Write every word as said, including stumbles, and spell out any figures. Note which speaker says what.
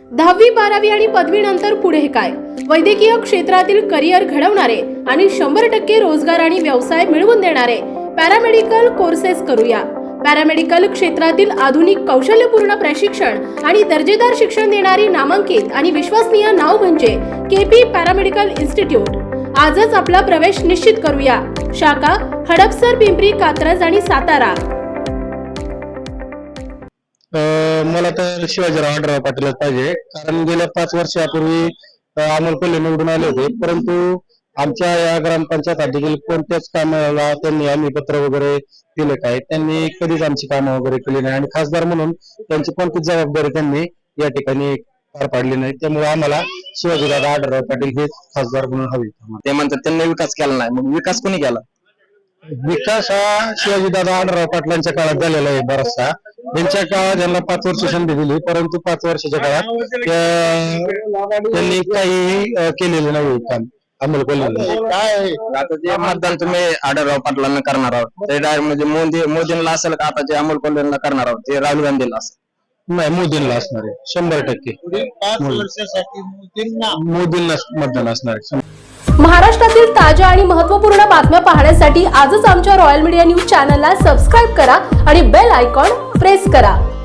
Speaker 1: दहावी बारावी आणि पदवीनंतर पुढे काय? वैद्यकीय क्षेत्रातील करिअर घडवणारे आणि शंभर टक्के रोजगार आणि व्यवसाय मिळवून देणारे पॅरामेडिकल कोर्सेस करूया. पॅरामेडिकल क्षेत्रातील आधुनिक कौशल्यपूर्ण प्रशिक्षण आणि दर्जेदार शिक्षण देणारी नामांकित आणि विश्वसनीय नाव म्हणजे केपी पॅरामेडिकल इन्स्टिट्यूट. आजच आपला प्रवेश निश्चित करूया. शाखा हडपसर, पिंपरी, कात्रज आणि सातारा.
Speaker 2: मला तर शिवाजीराव आढळराव पाटीलच पाहिजे, कारण गेल्या पाच वर्षापूर्वी अमोल कोल्हे निवडून आले होते, परंतु आमच्या या ग्रामपंचायत देखील कोणत्याच कामाला त्यांनी आम्ही पत्र वगैरे दिले काय, त्यांनी कधीच आमची कामं वगैरे केली नाही आणि खासदार म्हणून त्यांची कोणतीच जबाबदारी त्यांनी या ठिकाणी पार पाडली नाही. त्यामुळे आम्हाला शिवाजीराव आढळराव पाटील हे खासदार म्हणून हवे.
Speaker 3: ते म्हणतात त्यांनी विकास केला नाही, मग विकास कोणी केला?
Speaker 2: विकास हा शिवाजीदादा आढळराव पाटलांच्या काळात झालेला आहे बराचसा. त्यांच्या काळात त्यांना पाच वर्ष संधी दिली, परंतु पाच वर्षाच्या काळात त्यांनी काही केलेलं नाही काम अमोल कोल्हे.
Speaker 3: काय आता जे मतदान तुम्ही आढळराव पाटलांना करणार आहोत ते डायरेक्ट म्हणजे मोदी मोदींना असेल का? आता जे अमोल कोल्हेंना करणार आहोत ते राहुल गांधीला असेल?
Speaker 2: नाही, मोदींना असणार आहे शंभर टक्के. मोदींना मतदान असणार आहे.
Speaker 1: महाराष्ट्रातील ताज्या आणि महत्त्वपूर्ण बातम्या पाहण्यासाठी आजच आमच्या रॉयल मीडिया न्यूज चॅनलला सबस्क्राईब करा आणि बेल आयकॉन प्रेस करा.